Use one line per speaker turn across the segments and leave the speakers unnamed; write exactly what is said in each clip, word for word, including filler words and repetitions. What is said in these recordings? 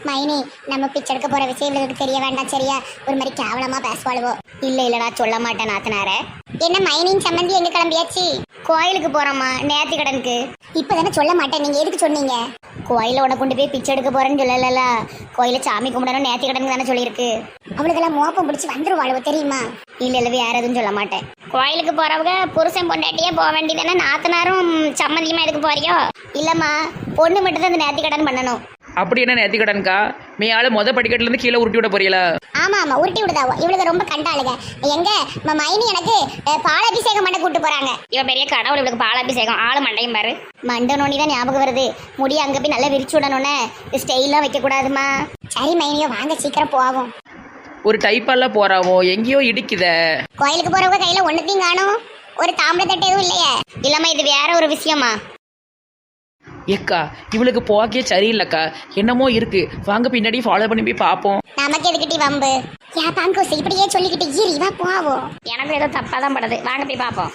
மைனி, நம்ம பிச்சை எடுக்க போற விஷயம் இவளுக்கு தெரிய வேண்டாம் சரியா? ஒரு மாதிரி கேவலமா பேசுவாளுவோ.
இல்ல இல்ல நான் சொல்ல மாட்டேன் நாத்தனார.
என்ன மைனின் சம்பந்தி எங்க கிளம்பியாச்சு?
கோயிலுக்கு போறோமா நேர்த்தி கடனுக்கு.
இப்பதானே சொல்ல மாட்டேன், நீங்க எதுக்கு சொன்னீங்க?
கோயில உன கொண்டு போய் பிச்சை எடுக்க போறேன்னு சொல்லல. கோயில சாமி கும்பிடணும் நேர்த்தி கடனுக்கு தானே சொல்லியிருக்கு.
அவளுக்கெல்லாம் மோப்பம் பிடிச்சி வந்துருவாளுவோ தெரியுமா?
இல்ல இல்ல வேற எதுவும் சொல்ல மாட்டேன். கோயிலுக்கு போறவங்க புருஷன் பொண்டாட்டியே போக வேண்டியதானே, நாத்தனாரும் சம்மந்தியமா எதுக்கு போறியோ? இல்லம்மா, பொண்ணு மட்டும் தான் இந்த நேர்த்தி கடன் பண்ணணும்.
அப்படி என்ன நேர்த்தி கடன்கா? மீ ஆளு மொத படிக்கட்டுல இருந்து கீழே உருட்டி விட போறீங்களா?
ஆமா ஆமா, உருட்டி விடுதாவோ. இவளுக்கு ரொம்ப கண்டாளுங்க. எங்க ம- மைனி எனக்கு அஹ், பாலாபிஷேகம் பண்ண கூட்டு போறாங்க.
இவ பெரிய கடவுள், இவளுக்கு பாலாபிஷேகம். ஆளு மண்டையும் பாரு. மண்டை நோனி தான் ஞாபகம் வருது. முடி அங்க போய் நல்லா விரிச்சு விடணும்னே. ஸ்டைலாம் வைக்க கூடாதுமா.
சரி மைனியோ, வாங்க சீக்கிரம் போவோம்.
ஒரு டைப்பாலாம் போறாவோ, எங்கேயோ இடிக்குத.
கோயிலுக்கு போறவங்க கையில ஒண்ணுத்தையும் காணும். ஒரு தாம்பளை தட்டு எதுவும் இல்லையே?
இல்லம்மா, இது வேற ஒரு விஷயமா.
ஏக்கா இவளுக்கு போக்கே சரியில்லைக்கா, என்னமோ இருக்கு. வாங்க பின்னாடி ஃபாலோ பண்ணி போய் பார்ப்போம்.
நமக்கு எதுக்கிட்டி வம்பு? யா பாங்கோஸ், இப்படியே சொல்லிக்கிட்டு ஈரி வா போவோம்.
எனக்கு ஏதோ தப்பா தான் படுது. வாங்க போய் பார்ப்போம்.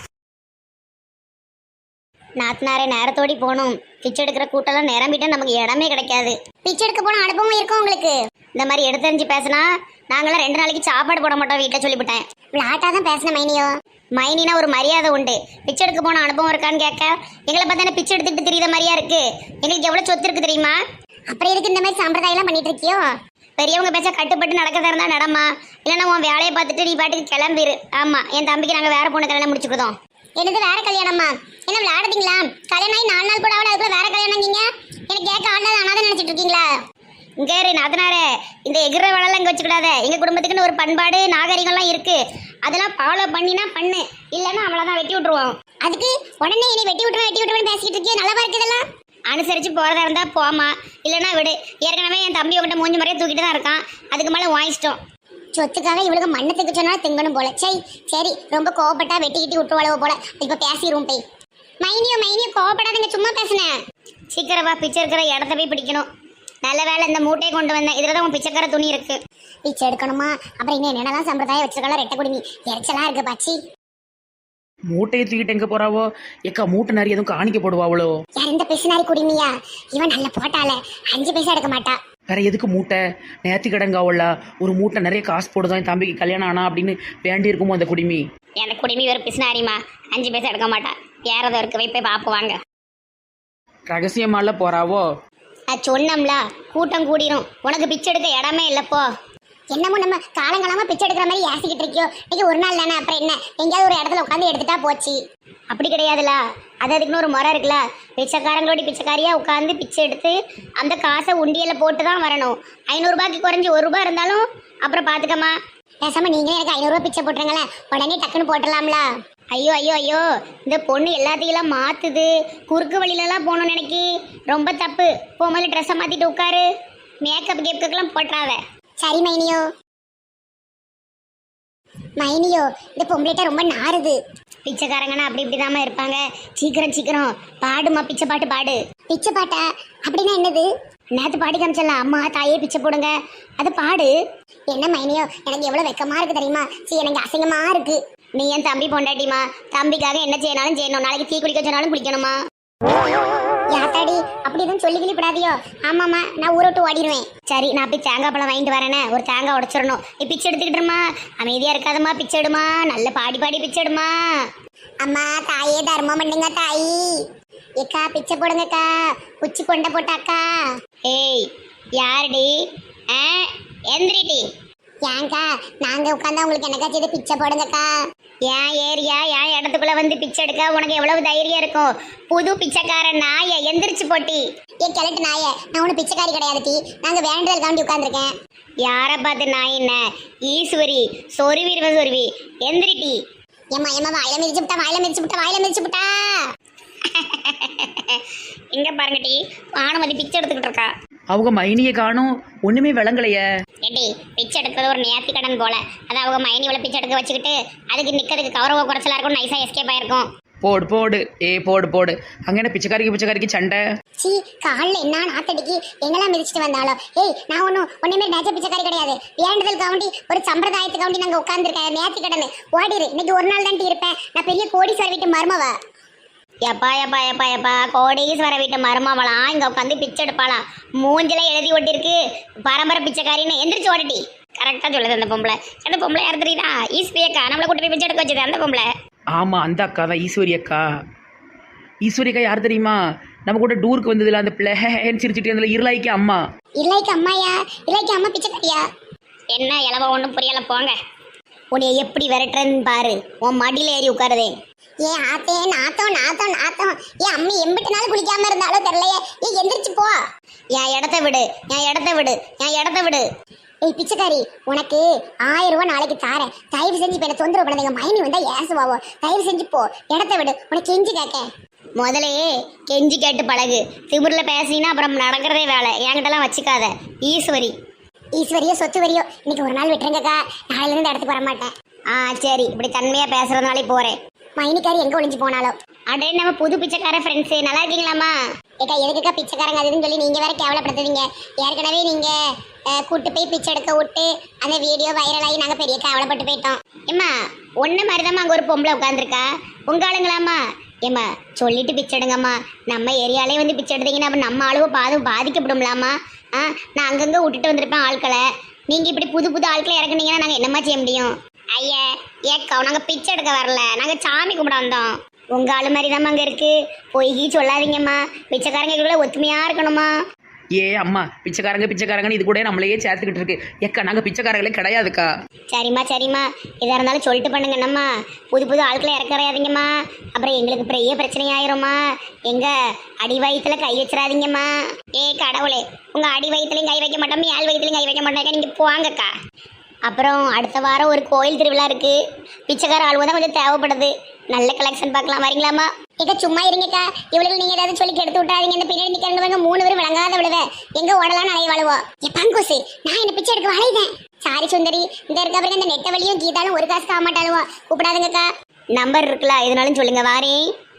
நாத்தனாரே நேரத்தோடி போகணும். பிச்சை எடுக்கிற கூட்டம்லாம் நிரம்பிட்டா நமக்கு இடமே கிடைக்காது.
பிச்சை எடுக்க போன அனுபவம் இருக்கும் உங்களுக்கு?
இந்த மாதிரி எடுத்தறிஞ்சு பேசினா நாங்களாம் ரெண்டு நாளைக்கு சாப்பாடு போட மாட்டோம் வீட்டில் சொல்லிவிட்டேன்.
விளாட்டா தான் பேசின மைனியோ.
மைனினா ஒரு மரியாதை உண்டு. பிச்சை எடுக்க போன அனுபவம் இருக்கான்னு கேட்க எங்களை பார்த்தா பிச்சை எடுத்துட்டு தெரியுத மாதிரியா இருக்கு. எங்களுக்கு எவ்வளோ சொத்து இருக்கு தெரியுமா?
அப்புறம் எதுக்கு இந்த மாதிரி சம்பிரதாயம் எல்லாம் பண்ணிட்டு இருக்கியோ?
பெரியவங்க பேச்ச கட்டுப்பட்டு நடக்கிறதா இருந்தா நடமா, இல்லைன்னா உன் வேலையை பார்த்துட்டு நீ பாட்டுக்கு கிளம்பிரு. ஆமா, என் தம்பிக்கு நாங்கள் வேற பொண்ணு கல்யாணம் முடிச்சுக்கிட்டோம்.
என்னது வேற கல்யாணமா? என்ன விளையாடுறீங்களா? கல்யாணம் ஆகி நாலு நாள் கூட அவளை அதுக்குள்ள வேற கல்யாணம் நீங்க எனக்கு கேட்க ஆடாத அனாதான் நினைச்சிட்டு இருக்கீங்களா?
இங்கே நாத்தனாரே, இந்த எகிற வேலைலாம் இங்கே வச்சுக்கிடாத. எங்கள் குடும்பத்துக்குன்னு ஒரு பண்பாடு நாகரிகம்லாம் இருக்கு. அதெல்லாம் ஃபாலோ பண்ணினா பண்ணு, இல்லைன்னா அவ்வளோதான் வெட்டி விட்டுருவோம்.
அதுக்கு உடனே என்னை வெட்டி விட்டுருவேன் வெட்டி விட்டுருவேன் பேசிக்கிட்டு இருக்கியே, நல்லா இருக்கு இதெல்லாம்.
அனுசரித்து போகிறதா இருந்தால் போமா, இல்லைன்னா விடு. ஏற்கனவே என் தம்பி உங்கள்கிட்ட மூஞ்சி முறையே தூக்கிட்டு தான் இருக்கான். அதுக்கு மேலே வாங்கிச்சிட்டோம்.
சொத்துக்காக இவளுக்கு மண்ணை திக்க சொன்னாலும் திங்கணும் போல. சரி சரி, ரொம்ப கோவப்பட்டா வெட்டி கிட்டி விட்டுருவாளவோ போல. இப்போ பேசிடுவோம் போய். மைனியோ மைனியோ, கோவப்படாதீங்க, சும்மா பேசுனேன்.
சீக்கிரம் வா, பிச்சை இருக்கிற இடத்த போய் பிடிக்கணும். நல்ல வேலை இந்த மூட்டையை கொண்டு வந்தேன். இதில் தான் உன் பிச்சைக்கார துணி இருக்கு.
பிச்சை எடுக்கணுமா? அப்புறம் இன்னும் என்னென்னலாம் சம்பிரதாயம் வச்சிருக்கலாம்? ரெட்டை குடுமி எரிச்சலா இருக்கு பாச்சி.
மூட்டையை தூக்கிட்டு எங்க போறாவோ? ஏக்கா மூட்டை நிறைய எதுவும் காணிக்க போடுவாவளோ?
யார் இந்த பிசுனாரி குடிமியா? இவன் நல்ல போட்டால அஞ்சு பைசா எடுக்க மாட்டா.
வேற எதுக்கு மூட்டை? நேர்த்தி கடன்காவல்ல ஒரு மூட்டை நிறைய காசு போடுதான் என் தம்பிக்கு கல்யாணம் ஆனா அப்படின்னு வேண்டி இருக்குமோ அந்த குடிமி?
எனக்கு குடிமி ஒரு பிசினாரிமா, அஞ்சு பைசா எடுக்க மாட்டா. வேறதோ இருக்கு, போய் போய் பார்ப்போம்.
ரகசியமால போறாவோ?
நான் சொன்னோம்ல, கூட்டம் கூடிரும். உனக்கு பிச்சை எடுக்க இடமே இல்லப்போ.
என்னமோ நம்ம காலங்காலமா பிச்சை எடுக்கிற மாதிரி ஏசிக்கிட்டு இருக்கியோ. இன்னைக்கு ஒரு நாள் தானே, அப்புறம் என்ன, எங்கேயாவது ஒரு இடத்துல உட்காந்து எடுத்துட்டா போச்சு.
அப்படி கிடையாதுல, அது அதுக்குன்னு ஒரு முறை இருக்குல்ல. பிச்சைக்காரங்களோட பிச்சைக்காரியா உட்காந்து பிச்சை எடுத்து அந்த காசை உண்டியல போட்டு தான் வரணும். ஐநூறுரூபாய்க்கு குறைஞ்சி ஒரு ரூபா இருந்தாலும் அப்புறம் பார்த்துக்கம்மா.
பேசாம நீங்களே எனக்கு ஐநூறுரூவா பிச்சை போட்டுருங்களேன், உடனே டக்குன்னு போட்டலாம்ல.
ஐயோ ஐயோ ஐயோ, இந்த பொண்ணு எல்லாத்தையும் மாத்துது. குறுக்கு வழியிலலாம் போகணும்னு நினைக்கி ரொம்ப தப்பு. போகும்போது ட்ரெஸ்ஸை மாற்றிட்டு உட்காரு. மேக்கப் கேப்புக்கெல்லாம் போட்டுறாத.
சரி மைனியோ. மைனியோ, இந்த பொம்பளைட்ட ரொம்ப நாறுது.
பிச்சைக்காரங்கன்னா அப்படி இப்படிதாம்மா இருப்பாங்க. சீக்கிரம் சீக்கிரம் பாடுமா, பிச்சை பாட்டு பாடு.
பிச்சை பாட்டா? அப்படின்னா என்னது?
நேற்று பாடி காமிச்சல, அம்மா தாயே பிச்சை போடுங்க, அது பாடு.
என்ன மைனியோ, எனக்கு எவ்வளவு வெக்கமா இருக்கு தெரியுமா? சரி, எனக்கு அசிங்கமா இருக்கு.
நீ என் தம்பி பொண்டாட்டிமா, தம்பிக்காக என்ன செய்யணாலும் செய்யணும். நாளைக்கு தீ குளிக்க சொன்னாலும் குளிக்கணுமா?
யாத்தாடி, அப்படி எதுவும் சொல்லி கிளிப்படாதியோ. ஆமாம்மா, நான் ஊரை விட்டு ஓடிடுவேன்.
சரி, நான் போய் தேங்காய் பழம் வாங்கிட்டு வரேனே, ஒரு தேங்காய் உடைச்சிடணும். நீ பிச்சை எடுத்துக்கிட்டுருமா, அமைதியா இருக்காதம்மா, பிச்சை எடுமா, நல்ல பாடி பாடி பிச்சை எடுமா.
அம்மா தாயே, தர்மம் பண்ணுங்க தாயி. ஏக்கா பிச்சை போடுங்கக்கா, உச்சி கொண்ட போட்டாக்கா.
ஏய் யாருடி? ஆ எந்திரிடி.
ஏங்கா, நாங்க உட்காந்தா உங்களுக்கு என்னக்கா செய்து பிச்சை போடுங்கக்கா.
ஏன் ஏரியா என் இடத்துக்குள்ள வந்து பிச்சை எடுக்க உனக்கு எவ்வளவு தைரியம் இருக்கும்? புது பிச்சைக்காரன் நாய, எந்திரிச்சு போட்டி.
ஏ கிழட்டு நாயே, நான் ஒன்றும் பிச்சைக்காரி கிடையாது டி. நாங்கள் வேண்டல் தாண்டி உட்காந்துருக்கேன்.
யாரை பார்த்து நாய் என்ன? ஈஸ்வரி, சொருவிடுவ சொருவி, எந்திரிட்டி.
ஏம்மா ஏம்மா, வாயில மிதிச்சு விட்டா வாயில மிதிச்சு விட்டா வாயில மிதிச்சு விட்டா.
இங்க பாருங்க டி, வானுமதி பிச்சை எடுத்துக்கிட்டு இருக்கா.
அவங்க மைனியை காணும், ஒண்ணுமே விளங்கலையே.
ஏடி, பிச்சை எடுக்கிறது ஒரு நேர்த்தி கடன் போல. அது அவங்க மைனி இவ்வளோ பிச்சை எடுக்க வச்சுக்கிட்டு அதுக்கு நிக்கிறதுக்கு கௌரவ குறைச்சலா இருக்கும். நைஸா எஸ்கேப் ஆயிருக்கும்.
போடு போடு, ஏ போடு போடு. அங்க என்ன பிச்சைக்காரிக்கு பிச்சைக்காரிக்கு சண்டை?
சி, காலில் என்ன நாத்தடிக்கு எங்கெல்லாம் மிதிச்சுட்டு வந்தாலும். ஏய், நான் ஒன்றும் ஒன்றுமே நேச்ச பிச்சைக்காரி கிடையாது. வேண்டுதல் கவுண்டி ஒரு சம்பிரதாயத்து கவுண்டி நாங்கள் உட்காந்துருக்கேன். நேர்த்தி கடன் ஓடிடு. இன்னைக்கு ஒரு நாள் தாண்டி இருப்பேன். நான் பெரிய கோடீஸ்வரர் வீட்டு மருமவ.
எப்பா எப்பா எப்பா எப்பா கோடீஸ்வர வீட்டு மருமாவலாம் இங்க உட்காந்து பிச்சை எடுப்பாளாம். மூஞ்சில எழுதி ஒட்டிருக்கு பரம்பரை பிச்சைக்காரின்னு எந்திரிச்சு ஓடிட்டி. கரெக்டா சொல்லுது அந்த பொம்பளை. அந்த பொம்பளை யார் தெரியுதா? ஈஸ்வரி அக்கா, நம்மளை கூட்டி போய் பிச்சை எடுக்க வச்சது அந்த பொம்பளை.
ஆமாம், அந்த அக்கா தான் ஈஸ்வரி அக்கா. ஈஸ்வரி அக்கா யார் தெரியுமா? நம்ம கூட டூருக்கு வந்ததில்ல அந்த பிள்ளை சிரிச்சிட்டு அதில் இருளாய்க்கு அம்மா.
இல்லைக்கு அம்மாயா? இல்லைக்கு அம்மா பிச்சைக்காரியா?
என்ன இளவ ஒன்றும் புரியல போங்க. உன்னைய எப்படி விரட்டுறன்னு பாரு. உன் மடியில ஏறி உட்காருதே.
ஏன் ஆத்தே நாத்தம் நாத்தம் நாத்தம். ஏன் அம்மி எம்பிட்டு நாள் குளிக்காம இருந்தாலும் தெரியலையே. ஏன் எந்திரிச்சு போ.
என் இடத்த விடு, என் இடத்த விடு, என் இடத்த விடு.
ஏய் பிச்சைக்காரி, உனக்கு ஆயிரம் ரூபாய் நாளைக்கு தாரேன். தயவு செஞ்சு இப்போ என்ன தொந்தரவு பண்ணாதீங்க. மைனி வந்தா ஏசுவாவோ. தயவு செஞ்சு போ, இடத்த விடு. உனக்கு கெஞ்சி கேட்க.
முதலே கெஞ்சி கேட்டு பழகு. திமிரில் பேசினா அப்புறம் நடக்கிறதே வேலை. என்கிட்டலாம் வச்சுக்காத. ஈஸ்வரி
ஈஸ்வரியோ சொத்து வரியோ இன்னைக்கு ஒரு நாள் விட்டுருங்கக்கா. நாளையில இருந்து இடத்துக்கு வர மாட்டேன்.
ஆ சரி, இப்படி தன்மையா பேசுறதுனாலே போறேன்.
மைனிக்காரி எங்க ஒளிஞ்சு போனாலும்.
அடே நம்ம புது பிச்சைக்கார ஃப்ரெண்ட்ஸு, நல்லா இருக்கீங்களாம்மா?
ஏக்கா எதுக்குக்கா பிச்சைக்காரங்க அதுன்னு சொல்லி நீங்க வேற கேவலப்படுத்துவீங்க. ஏற்கனவே நீங்க கூட்டு போய் பிச்சை எடுக்க விட்டு அந்த வீடியோ வைரல் ஆகி நாங்க பெரிய கேவலப்பட்டு போயிட்டோம்.
ஏம்மா ஒன்ன மாதிரிதாம்மா அங்கே ஒரு பொம்பளை உட்காந்துருக்கா. உங்க ஆளுங்களாம்மா? ஏம்மா சொல்லிட்டு பிச்சை எடுங்கம்மா. நம்ம ஏரியாலே வந்து பிச்சை எடுத்தீங்கன்னா அப்போ நம்ம அளவு பாதும் பாதிக்கப்படும்லாமா? ஆ நான் அங்கங்கே விட்டுட்டு வந்திருப்பேன் ஆட்களை. நீங்கள் இப்படி புது புது ஆட்களை இறக்குனீங்கன்னா நாங்கள் என்னம்மா செய்ய முடியும்? ஐயா ஏக்கா, நாங்கள் பிச்சை எடுக்க வரல, நாங்கள் சாமி கும்பிட வந்தோம். உங்கள் ஆளு மாதிரி தாம்மா அங்கே இருக்குது. பொய்கி சொல்லாதீங்கம்மா. பிச்சைக்காரங்களுக்குள்ள ஒத்துமையாக இருக்கணுமா?
ஏ அம்மா, பிச்சைக்காரங்க பிச்சைக்காரங்கன்னு இது கூட நம்மளையே சேர்த்துக்கிட்டு இருக்கு. ஏக்கா நாங்கள் பிச்சைக்காரங்களே கிடையாதுக்கா.
சரிம்மா சரிம்மா, எதாக இருந்தாலும் சொல்லிட்டு பண்ணுங்க. என்னம்மா புது புது ஆட்களை இறக்கறையாதீங்கம்மா. அப்புறம் எங்களுக்கு பெரிய பிரச்சனை ஆயிரும்மா. எங்க அடி வயிற்றுல கை வச்சிடாதீங்கம்மா. ஏ கடவுளே, உங்கள் அடி வயிற்றுலையும் கை வைக்க மாட்டோம், ஏழு வயிற்றுலையும் கை வைக்க மாட்டேங்க. நீங்கள் போவாங்கக்கா. அப்புறம் அடுத்த வாரம் ஒரு கோயில் திருவிழா இருக்குது. பிச்சைக்கார ஆளுவ தான் கொஞ்சம் தேவைப்படுது. நல்ல கலெக்ஷன் பார்க்கலாம், வரீங்களாம்மா?
ஏக்கா சும்மா இருங்கக்கா. இவளுக்கு நீங்க ஏதாவது சொல்லி கெடுத்து விட்டாதீங்க. இந்த பின்னாடி நிக்கிறவங்க மூணு பேரும் விளங்காத விழுத எங்க ஓடலாம் நிறைய வாழுவோம். ஏ பங்கோசு, நான் என்ன பிச்சை எடுக்க வளைதேன். சாரி சுந்தரி, இந்த இருக்க பிறகு இந்த நெட்ட வழியும் கீதாலும் ஒரு காசு ஆக மாட்டாளுவா. கூப்பிடாதுங்கக்கா.
நம்பர் இருக்குல்ல, எதுனாலும் சொல்லுங்க. வாரே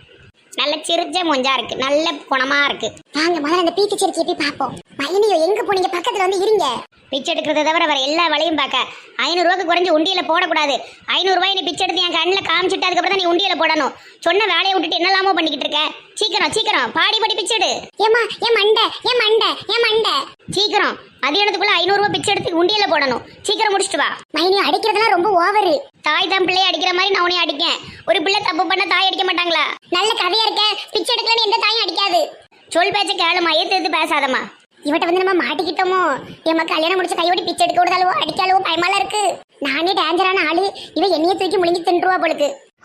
நல்ல சிரிச்ச மொஞ்சா இருக்கு, நல்ல குணமா இருக்கு.
வாங்க முதல்ல அந்த பீக்கு செடிக்கு போய் பார்ப்போம். மைனியோ எங்க போனீங்க? பக்கத்துல வந்து இருங்க.
பிச்சை எடுக்கிறத தவிர வேற எல்லா வேலையும் பார்க்க. ஐநூறுரூவாக்கு குறைஞ்சி உண்டியில போடக்கூடாது. ஐநூறுரூவாய் நீ பிச்சை எடுத்து என் கண்ணில் காமிச்சிட்டு அதுக்கப்புறம் தான் நீ உண்டியில போடணும். சொன்ன வேலையை விட்டுட்டு என்னெல்லாமோ பண்ணிக்கிட்டு இருக்க. சீக்கிரம் சீக்கிரம் பாடி பாடி பிச்சைடு.
ஏமா ஏன் மண்டை ஏன் மண்டை ஏன் மண்டை.
சீக்கிரம் மதியானத்துக்குள்ள ஐநூறுரூவா பிச்சை எடுத்து உண்டியில போடணும். சீக்கிரம் முடிச்சுட்டு வா.
மைனியோ அடிக்கிறதுலாம் ரொம்ப ஓவரு.
தாய் தான் பிள்ளையை அடிக்கிற மாதிரி நான் உன்னை அடிக்கேன். ஒரு பிள்ளை தப்பு பண்ண தாய் அடிக்க மாட்டாங்களா?
நல்ல கதையா இருக்க. பிச்சை எடுக்கலன்னு எந்த தாயும் அடிக்காது.
சொல் பேச்ச கேளுமா, ஏத்து எடுத்து பேசாதம்மா.
இவட்ட வந்து நம்ம மாட்டிக்கிட்டோமோ? எம்ம கல்யாணம் முடிச்ச கையோடி பிச்சை எடுக்க விடுதாலோ அடிக்காலோ பயமால இருக்கு. நானே டேஞ்சரான ஆளு, இவ என்னைய தூக்கி முழுங்கி தின்றுவா போலுக்கு.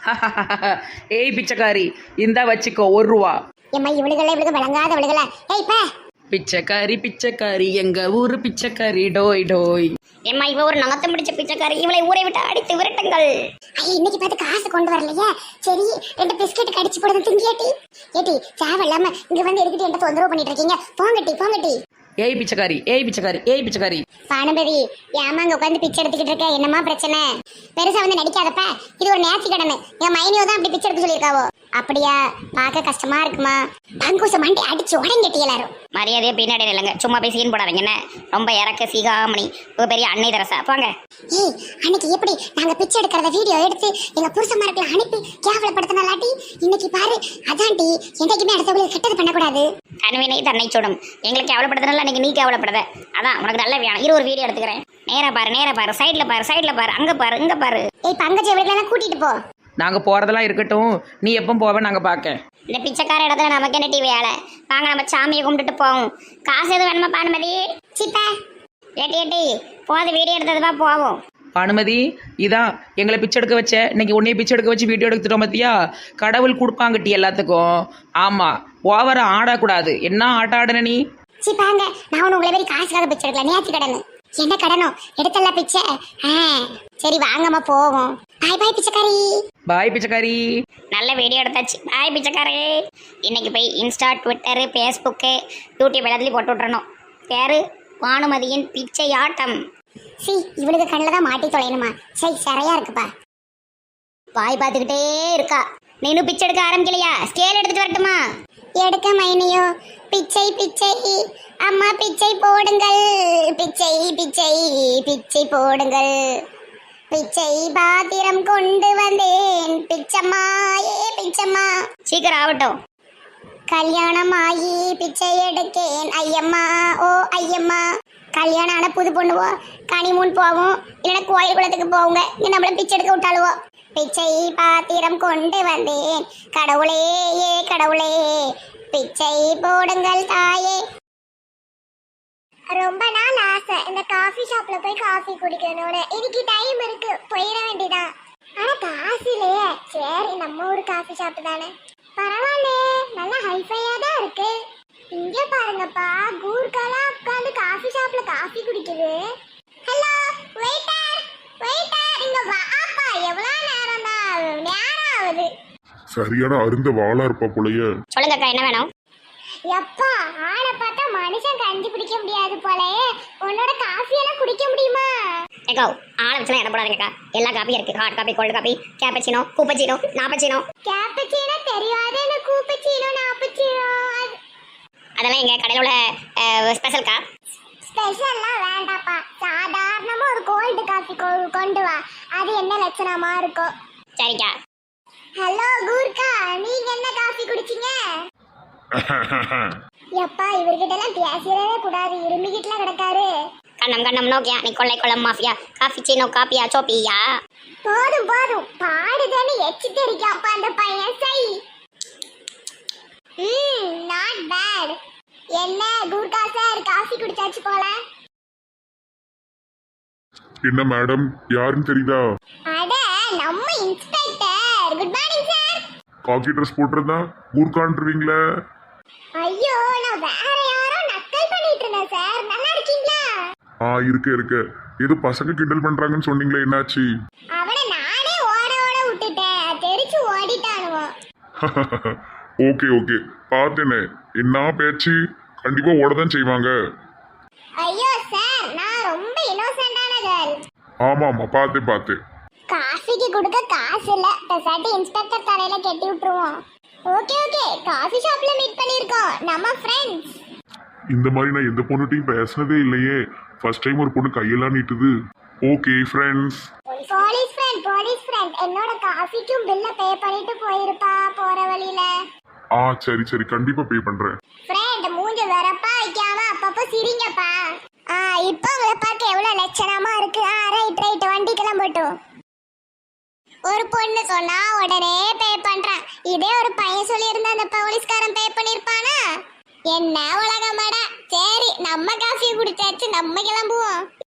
ஏய் பிச்சைக்காரி, இந்தா வச்சுக்கோ ஒரு ரூபா.
எம்மா இவளுகளை இவளுக்கு விளங்காத இவளுகள. ஏய் பா
பிச்சைக்காரி பிச்சைக்காரி எங்க ஊரு பிச்சைக்காரி டோய் டோய்.
ஏம்மா இவ ஒரு நகத்தம் பிடிச்ச பிச்சைக்காரி, இவளை ஊரை விட்டு அடித்து விரட்டுங்கள்.
ஐயா இன்னைக்கு பார்த்து காசு கொண்டு வரலையே. சரி ரெண்டு பிஸ்கெட் கடிச்சு போடுறது திங்கியாட்டி. ஏட்டி தேவையில்லாம இங்க வந்து எடுத்துட்டு என்ன தொந்தரவு பண்ணிட்டு இருக்கீங்க? போங்கட்டி போங்கட்டி.
ஏய் பிச்சைக்காரி ஏய் பிச்சைக்காரி ஏய் பிச்சைக்காரி.
பானுபதி ஏமா அங்க உட்காந்து பிச்சை எடுத்துக்கிட்டு இருக்க? என்னமா பிரச்சனை? பெருசா வந்து நடிக்காதப்ப. இது ஒரு நேர்த்தி கடமை. என் மைனியோ தான் அப்படி பிச்சை எடுக்க சொல்லியிருக்காவோ. அப்படியா? பார்க்க கஷ்டமா இருக்குமா? பங்கூச மண்டி அடிச்சு உடங்கட்டி எல்லாரும்.
மரியாதையா பின்னாடி இல்லைங்க, சும்மா போய் சீன் போடாதீங்க. என்ன ரொம்ப இறக்க சீகாமணி ஒரு பெரிய அன்னை தரசா போங்க.
ஏய் அன்னைக்கு எப்படி நாங்க பிச்சை எடுக்கிறத வீடியோ எடுத்து எங்க புருஷமார்களை அனுப்பி கேவலப்படுத்தினாலாட்டி இன்னைக்கு பாரு. அதான்டி என்னைக்குமே அடுத்தவங்களுக்கு கெட்டது பண்ணக்கூடாது.
கண்வினை தன்னை சுடும். எங்களுக்கு கேவலப்படுத்தினால அன்னைக்கு நீ கேவலப்படுத. அதான் உனக்கு நல்ல வேணும். இரு ஒரு வீடியோ எடுத்துக்கிறேன். நேரா பாரு நேரா பாரு, சைட்ல பாரு சைட்ல பாரு, அங்க பாரு இங்க பாரு.
ஏய் பங்கஜ இவர்களெல்லாம் கூட்டிட்டு போ.
நாங்க போறதெல்லாம் இருக்கட்டும், நீ எப்போ போவ நாங்க பார்க்க.
இந்த பிச்சைக்கார இடத்துல நமக்கு என்ன டிவி வேலை? வாங்க நம்ம சாமியை கும்பிட்டுட்டு போவோம். காசு எதுவும் வேணுமா பானுமதி?
சிப்பா
ஏட்டி ஏட்டி போது வீடியோ எடுத்ததுவா போவோம்.
பானுமதி இதான் எங்களை பிச்சை எடுக்க வச்ச. இன்னைக்கு உன்னைய பிச்சை எடுக்க வச்சு வீடியோ எடுத்துட்டோம் பார்த்தியா? கடவுள் கொடுப்பாங்கட்டி எல்லாத்துக்கும். ஆமா ஓவர ஆடக்கூடாது. என்ன ஆட்ட ஆடுன நீ?
சிப்பாங்க நான் ஒன்று உங்களை மாதிரி காசுக்காக பிச்சை எடுக்கல. நேற்று கடனு என்ன கடனோ எடுத்தலாம் பிச்சை. ஆ சரி வாங்கம்மா போவோம். பாய் பாய் பிச்சைக்காரி.
பாய் பிச்சைக்காரி.
நல்ல வீடியோ எடுத்தாச்சு. பாய் பிச்சைக்காரே. இன்னைக்கு போய் இன்ஸ்டா ட்விட்டரு ஃபேஸ்புக்கு யூடியூப் எல்லாத்துலேயும் போட்டு விட்றணும். பேரு பானுமதியின் பிச்சை ஆட்டம்.
சி இவளுக்கு கண்ணில் தான் மாட்டி தொலைணுமா? சரி சரியா இருக்குப்பா.
பாய் பார்த்துக்கிட்டே இருக்கா. நீ இன்னும் பிச்சை எடுக்க ஆரம்பிக்கலையா? ஸ்கேல் எடுத்துட்டு வரட்டுமா?
எடுக்க மைனியோ. பிச்சை பிச்சை அம்மா பிச்சை போடுங்கள். பிச்சை பிச்சை பிச்சை போடுங்கள். பிச்சை பாத்திரம் கொண்டு வந்தேன் பிச்சம்மா ஏ பிச்சம்மா.
சீக்கிரம் ஆகட்டும்.
கல்யாணம் ஆகி பிச்சை எடுக்கேன் ஐயம்மா ஓ ஐயம்மா. கல்யாணம் ஆன புது பொண்ணுவோ கனிமூன் போவோம், இல்லைன்னா கோயில் குளத்துக்கு போவோங்க. இங்க நம்மள பிச்சை எடுக்க விட்டாளுவோ. பிச்சை பாத்திரம் கொண்டு வந்தேன் கடவுளே ஏ கடவுளே பிச்சை போடுங்கள் தாயே. ரொம்ப நாள் ஆசை இந்த காஃபி ஷாப்ல போய் காஃபி குடிக்கணும்னு. இன்னைக்கு டைம் இருக்கு, போயிட வேண்டியதான். ஆனா காசு இல்லையே. சரி நம்ம ஊர் காஃபி ஷாப் தானே, பரவாயில்ல, நல்லா ஹைஃபையா தான் இருக்கு. இங்க பாருங்கப்பா, கூர்க்காலாம் உட்காந்து காஃபி ஷாப்ல காஃபி குடிக்குது. ஹலோ வெயிட்டர், வெயிட்டர் இங்க வாப்பா. எவ்வளவு நேரம் தான், நேரம் ஆகுது.
சரியான அருந்த வாளா இருப்பா போலயே.
சொல்லுங்க அக்கா, என்ன வேணும்?
எப்பா ஆளை பார்த்தா மனுஷன் கஞ்சி பிடிக்க முடியாது போலே, உன்னோட காஃபி எல்லாம் குடிக்க முடியுமா?
ஏக்கோ ஆளை வச்சுலாம் இடம் போடாதீங்கக்கா. எல்லா காப்பியும் இருக்கு. Hot coffee, cold coffee, cappuccino, கூப்பச்சினோ, நாப்பச்சினோ.
கேப்பச்சீனோ தெரியாது, எனக்கு கூப்பச்சீனோ நாப்பச்சீனோ
அதெல்லாம் எங்க கடையில் உள்ள ஸ்பெஷல்க்கா.
ஸ்பெஷல்லாம் வேண்டாப்பா, சாதாரணமா ஒரு கோல்டு காஃபி கொண்டு வா. அது என்ன லட்சணமா இருக்கும்?
சரிக்கா.
ஹலோ கூர்க்கா, நீங்க என்ன காஃபி குடிச்சீங்க? எப்பா இவர்கிட்ட எல்லாம் பேசிடவே கூடாது, இருமிக்கிட்டுலாம் கிடக்காரு.
கண்ணம் கண்ணம் நோக்கியா நீ கொள்ளை கொள்ளம் மாஃபியா காஃபி சீனோ காப்பியா சோப்பியா.
போதும் போதும், பாடுதானே எச்சு தெரிக்காப்பா அந்த பையன். சை ம் நாட் பேட். என்ன கூர்க்கா சார், காஃபி குடிச்சாச்சு போல.
என்ன மேடம், யாருன்னு தெரியுதா?
அட நம்ம inspector. Good morning sir.
Khaki dress போட்டிருந்தா ஊர்கான்ட்டுருவீங்களே.
ஐயோ நான் வேற யாரோ நக்கல் பண்ணிட்டு இருந்தேன் சார். நல்லா இருக்கீங்களா?
ஆ இருக்க இருக்க. ஏதோ பசங்க கிண்டல் பண்றாங்கன்னு சொன்னீங்களே, என்னாச்சு?
அவனை நானே ஓட ஓட விட்டுட்டேன், தெரிச்சு ஓடிட்டானுவோ.
ஓகே ஓகே, பார்த்தேனே. என்ன பேச்சு, கண்டிப்பா ஓடதான் செய்வாங்க.
ஐயோ சார், நான் ரொம்ப இன்னோசென்டான கேர்ள்.
ஆமா ஆமா, பார்த்தேன் பார்த்தேன்.
காஃபிக்கு கொடுக்க காசு இல்ல, பெசாட்டி இன்ஸ்பெக்டர் தலையில கட்டி விட்டுருவோம். ஓகே ஓகே, காஃபி ஷாப்ல மீட் பண்ணிருக்கோம், நம்ம ஃப்ரெண்ட்ஸ்.
இந்த மாதிரி நான் எந்த பொண்ணுட்டையும் பேசினதே இல்லையே. ஃபர்ஸ்ட் டைம் ஒரு பொண்ணு கையெல்லாம் நீட்டுது. Okay friends.
Police friend, police friend, என்னோட காஃபிக்கும் பில்ல பே பண்ணிட்டு போயிருப்பா போற வழியில.
ஆ சரி சரி, கண்டிப்பா பே பண்றேன்.
ஃப்ரெண்ட் மூஞ்ச வரப்பா வைக்காம அப்பப்போ சிரிங்கப்பா. ஆ இப்போ உங்களை பார்க்க எவ்வளவு லட்சணமா இருக்கு. ஆ ரைட் ரைட், வண்டிக்கெல்லாம் போட்டோம். ஒரு பொண்ணு சொன்னா உடனே பே பண்றான். இதே ஒரு பையன் சொல்லி இருந்தா அந்த போலீஸ்காரன் பே பண்ணிருப்பானா? என்ன உலகமாடா. சரி நம்ம காஃபி குடிச்சாச்சு, நம்ம கிளம்புவோம்.